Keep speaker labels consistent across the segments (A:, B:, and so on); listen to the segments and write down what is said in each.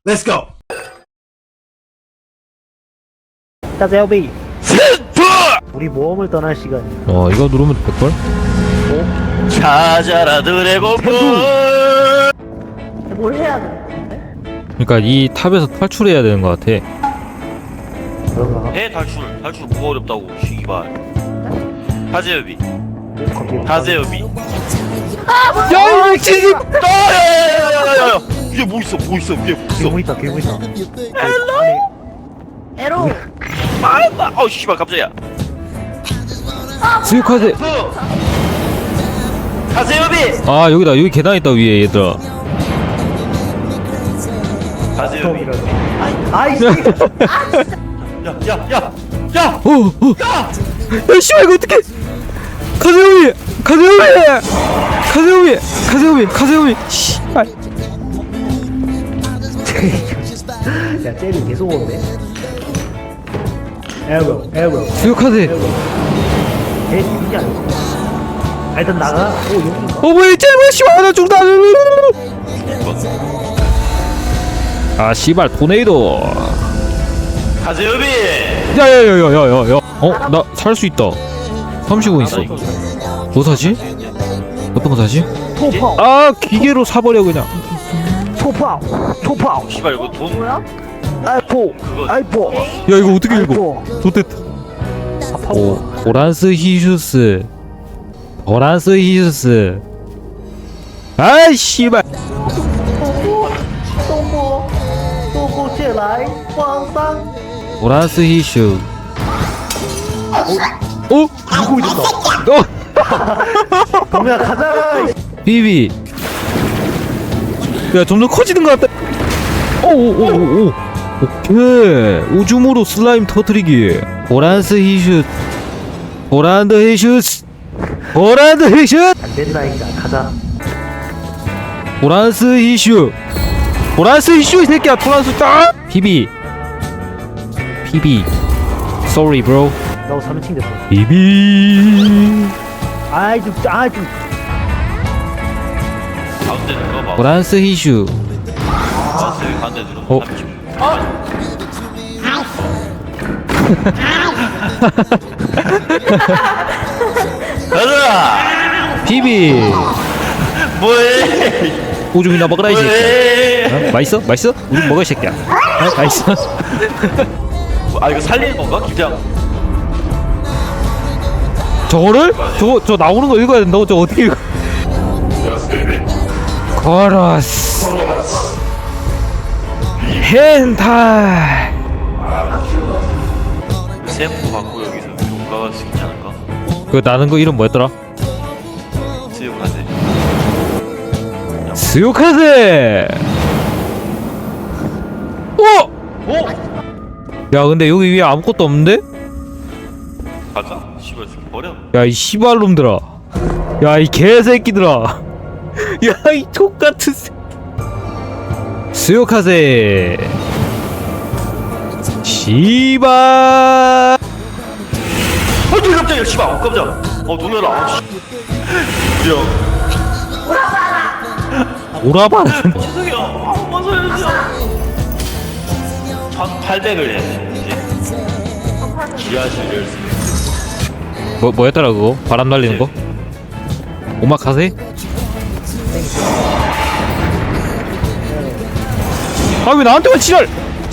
A: Let's go.
B: 따제오비 우리 모험을 떠날 시간이야.
C: 이거 누르면 될걸?
D: 찾아라 드래곤볼.
B: 뭘 해야 돼?
C: 그러니까 이 탑에서 탈출해야 되는 것 같아.
B: 그런가?
D: 해 탈출 뭐가 어렵다고 시기발. 하재엽이 하재엽이.
C: 야, 이 미친!
D: 야야야야야야. 위에 뭐 있어 뭐 있어 위에 뭐 있어.
B: 괴물 있다 괴물 있다. 에로.
D: 아우 씨발 깜짝이야.
C: 스유카세!
D: 하재엽이.
C: 아, 여기다. 여기 계단 있다, 위에, 얘들아.
D: 하재엽이.
B: 아이씨.
D: 야야야야.
C: 야, 씨발, 이거 어떡해! 카세오미! 카세오미! 씨발.
B: 야 쟤는 계속 오네. 에로.
C: 스유카세!
B: 걔 죽이지 않았어. 일단 나가. 오 여기.
C: 뭐야, 쟤 씨발, 나 죽다! 아, 씨발, 토네이도!
D: 하재엽이.
C: 야야야야야야. 나 살 수 있다. 30원 있어. 뭐 사지? 어떤 거 사지?
B: 토파오.
C: 아, 기계로 사버려 그냥.
B: 토파오.
D: 씨발 이거 돈 뭐야?
B: 아이포.
C: 야, 이거 어떻게 읽어? 좋댔다. 오란스 히슈스. 아이 씨발.
B: 东部借来皇上.
C: 오란스 히슈.
B: 누구 있었다. 동야 가자.
C: 비비. 야, 점점 커지는 것 같다. 오. 오케이. 우주무로 슬라임 터트리기. 오란스 히슈.
B: 안 된다니까 가자.
C: 오란스 히슈 이 새끼야. 토란스 딱. 비비. Sorry bro.
B: 너 3층 됐어.
C: 비비.
B: 아이 좀.
D: 가운데 누가 봐.
C: 오란스 히슈.
D: 가운데 누가. 가자.
C: 비비.
D: 뭐해?
C: 오줌이나 먹으라 이 새끼야.
D: 뭐해?
C: 맛있어? 우리 먹어 이 새끼야. 맛있어?
D: 아 이거 살리는 건가? 그냥
C: 저거를? 저 나오는 거 읽어야 된다고? 저거 어떻게 읽어? 코러스 헨타이.
D: 샘프 받고 여기서 위로 올라갈 수 있지 않을까?
C: 그 나는 거 이름 뭐였더라?
D: 수육하세.
C: 스요카세. 오! 야, 근데 여기 위에 아무것도 없는데?
D: 가자. 씨발 새끼 버려.
C: 야, 이 씨발놈들아. 야, 이 개새끼들아. 야, 이 족같은 새끼. 스요카세. 씨발.
D: 깜짝이야. 씨발. 깜짝. 놀래라. 씨. 야.
C: 오라바라.
D: 죄송해요. 뭔 소리야? 1,800을 해야지. 지하실 열쇠.
C: 뭐였더라 그거? 바람 날리는 거? 오마카세? 아, 왜 나한테만 지랄!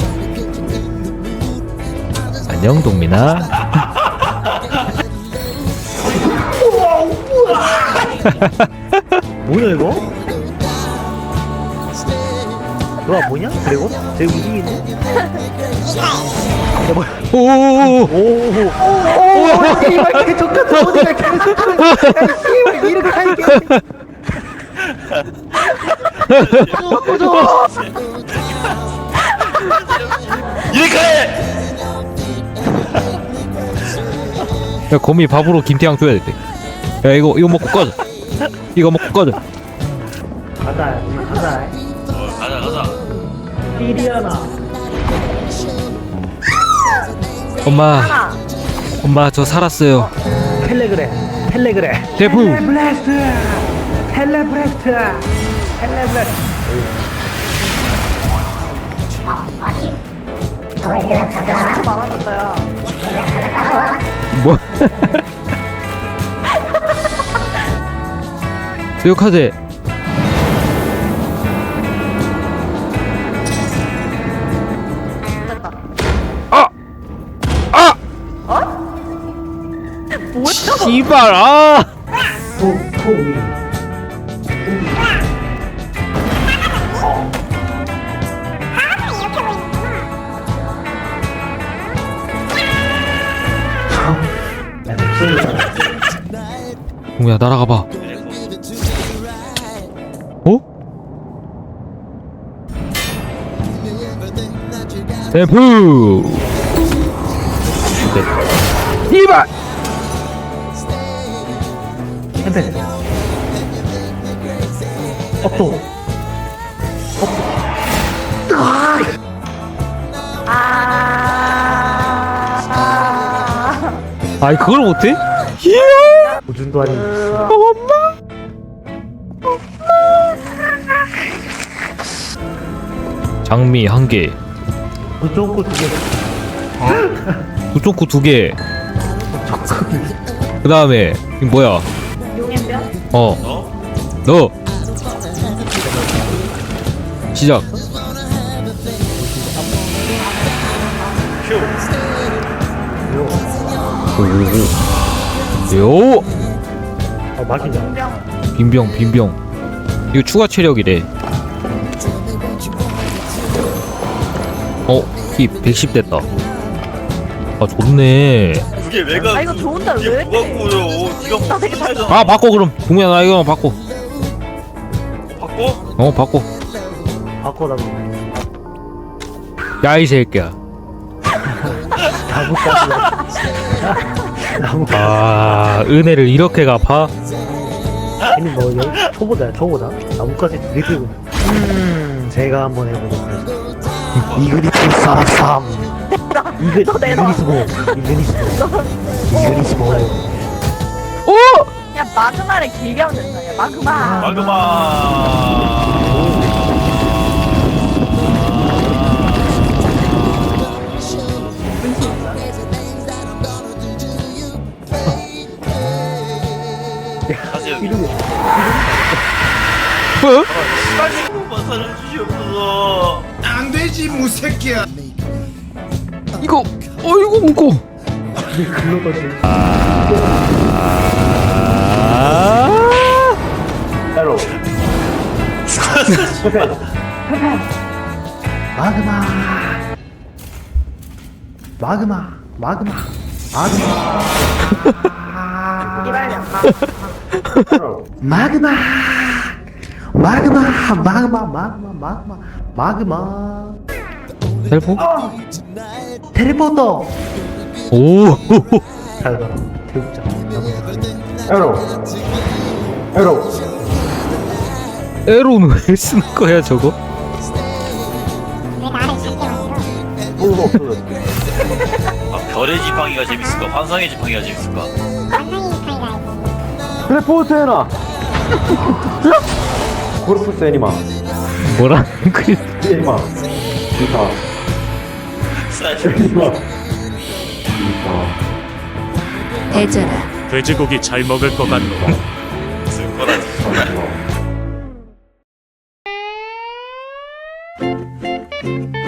C: 안녕 동민아.
B: 뭐야 이거? 너가 뭐냐? 드래곤? 쟤 움직이네? 야 뭐야?
C: 오오오오.
B: 오 씨발 개족같은 어디가 개족같은. 야 씨발 이렇게 할게.
D: 이렇게 해!
C: 야, 거미 밥으로 김태양 줘야 돼. 야, 이거 먹고 꺼져.
B: 가자.
D: 가자.
B: 피리아나.
C: 엄마 저 살았어요.
B: 텔레그래.
C: 대부.
B: 텔레브레스트. 말하셨어요.
C: 뭐? 쇠욕하제.
B: 됐다.
C: 아! 아!
B: 뭐야?
C: 씨발, 아! 동우야, 날아가봐. 어? 템프! 이발!
B: 햄페. 업도.
C: 아이, 그걸 못해?
B: 우준도 아닌.
C: 장미 1개,
B: 우준코 2개.
C: 두쪽구 2개. 그 다음에 이 뭐야?
B: 용앤변?
C: 너 시작. 요
B: 막이냐?
C: 빈병 이거 추가 체력이래. 키 110 됐다. 아, 좋네.
D: 그게 왜가
B: 아, 이거 좋은데
D: 그게
B: 왜
D: 뭐가
B: 이렇게?
D: 꼬여? 네가
B: 나 되게
D: 뭐 살잖아.
C: 아, 바꿔. 그럼 동우야, 나 이거 바꿔.
D: 바꿔?
C: 바꿔.
B: 바꿔달라고.
C: 야, 이 새끼야.
B: 나무까지.
C: 아, 은혜를 이렇게 갚아?
B: 아니 뭐 여기 초보다 나무까지 들이대고. 제가 한번 해보겠습니다. 이그리스 사삼. 이그리스모.
A: 야 마그마를 길게 하면 된다. 야 마그마.
D: 마그마. 사실
B: 이름이
C: 뭐?
D: 시간만 살려주시옵소서.
E: 안되지 무새끼야.
C: 이거 어이구 무거.
B: 글로 던지. 따로. 마그마.
A: 이발년.
B: 마그마.
C: 텔포?
B: 텔레포터.
C: 오.
B: 잘 가라. 태국자.
C: 에로는 왜 쓰는 거야 저거?
D: 별의 지팡이가 재밌을까? 환상의 지팡이가 재밌을까?
F: 텔레포트 해놔. 고르프스 애니마.
C: 뭐라는 거야?
F: 애니마. 기타. 애니마.
G: 대전아,
H: 돼지고기 잘 먹을 것 같노.
D: 쓸 거다.
F: 기타.